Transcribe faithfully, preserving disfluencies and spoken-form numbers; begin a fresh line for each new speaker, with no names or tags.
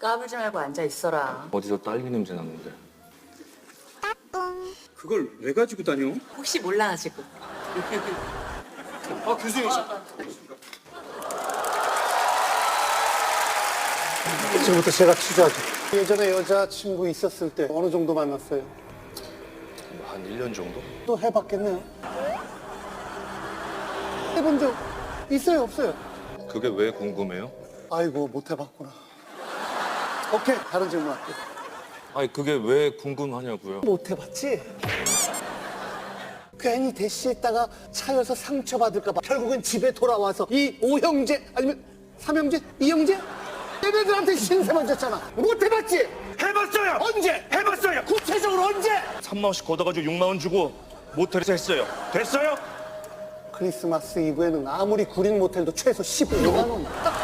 까불지 말고 앉아 있어라.
어디서 딸기 냄새 나는데.
그걸 왜 가지고 다녀?
혹시 몰라가지고.
아 교수님.
지금부터 제가 취재하죠. 예전에 여자친구 있었을 때 어느 정도 만났어요?
한 일 년 정도?
또 해봤겠네요. 해본 적 있어요, 없어요?
그게 왜 궁금해요?
아이고, 못 해봤구나. 오케이, 다른 질문 할게요.
아니 그게 왜 궁금하냐고요?
못 해봤지? 괜히 대시했다가 차여서 상처받을까 봐 결국은 집에 돌아와서 이 오형제 아니면 삼형제? 이형제? 얘네들한테 신세만 졌잖아. 못 해봤지?
해봤어요.
언제?
해봤어요.
구체적으로 언제?
삼만 원씩 걷어가지고 육만 원 주고 모텔에서 했어요. 됐어요?
크리스마스 이브에는 아무리 구린 모텔도 최소 십오만 원. 딱